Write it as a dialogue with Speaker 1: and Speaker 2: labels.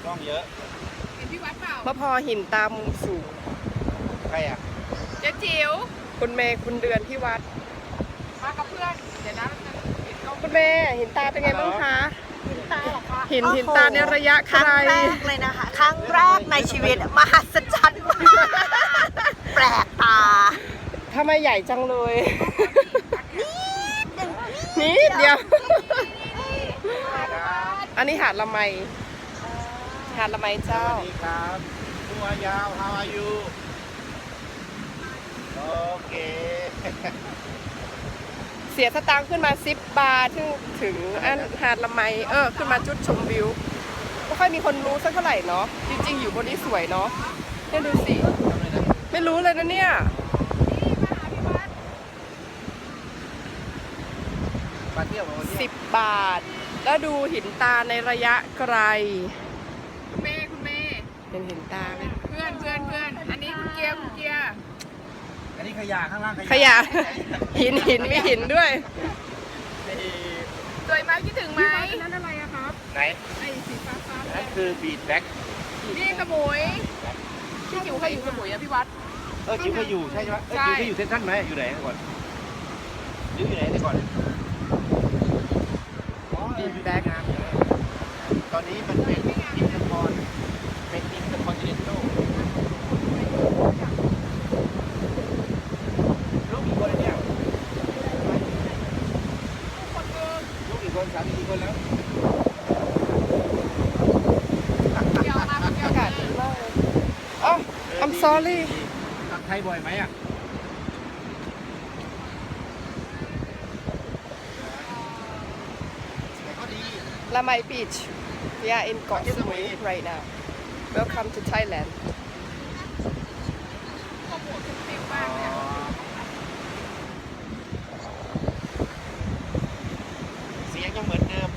Speaker 1: กล้องเยอะ
Speaker 2: เห็นพี่วัดเปล่าม
Speaker 3: ะพร้าวหินตามุมสูง
Speaker 1: ใครอ่ะ
Speaker 2: เจ๊จิ๋ว
Speaker 3: คุณเมย์คุณเดือนที่วัด
Speaker 2: มากับเพื่อน เดี๋ยวนะเห็นกล้อง
Speaker 3: คุณเมย์หินตาเป็นไงบ้างคะ
Speaker 4: หินตาเหรอคะ
Speaker 3: หินตาในระยะไก
Speaker 4: ครั้ง
Speaker 3: ล
Speaker 4: แรกเลยนะคะ ครั้งแรกในชีวิตมหัศจรรย์มากแปลกตา
Speaker 3: ทำไมใหญ่จังเลย นิดเดียว อันนี้หาดละไม หาดละไม
Speaker 1: ส
Speaker 3: เจ้า
Speaker 1: วัสดีครับตัวยาว how are you โอเค
Speaker 3: เสียสตางค์ขึ้นมา10 บาทถึงอันหาดละไมขึ้นมาจุดชมวิวไม่ค่อยมีคนรู้สักเท่าไหร่เนาะจริงๆอยู่บนนี้สวยเนาะเนี่ยดูสิไม่รู้เลยนะเนี่ย
Speaker 1: มาเที่ยวมาเที่ยว
Speaker 3: 10 บาท แล้วดูหินตาในระยะไกล
Speaker 2: คุณเมย์คุณเมย์
Speaker 3: เห็นหินตาไหม
Speaker 2: เพื่อน อันนี้คุณเกียร์คุณเกียร์
Speaker 1: อันนี้ขยะข้างล่าง
Speaker 3: ขยะ หินมีหินด้วย
Speaker 2: สวยไหมคิดถึงไหมนั่นอะไรอะครับ
Speaker 1: ไหน
Speaker 2: ไอ้สีฟ้า
Speaker 1: นั่นคือบีดแบ็ก
Speaker 2: นี่สมุยพี่จิ๋วเคยอยู่สมุยอะพี่วัด
Speaker 1: จิ๋วเคยอยู่ใช่ไหม
Speaker 2: ใช่
Speaker 1: จิ๋วเคยอยู่เซนทรัลไหมอยู่ไหนก่อนจิ๋วอยู่ไหนก่อน
Speaker 3: บีดแบ็ก
Speaker 1: ตอนนี้มันเป็นอินเตอร์คอนเป็นอินเตอร์คอนติเนนตัลลูกกี่คนเนี่ยลูกกี่คน3-4 คนแล้ว
Speaker 2: เดี๋ยวมาเดี๋ยว
Speaker 3: อากาศดีมากเลยอ๋อ I'm sorry
Speaker 1: กลับไทยบ่อยไหมอ่ะแต่ก็ดี
Speaker 3: La Mai Beach we are in เกาะสมุย right now welcome to Thailand
Speaker 2: ข้อมูลคุณเต็มมากเลยอะ
Speaker 1: เสียงยังเหมือน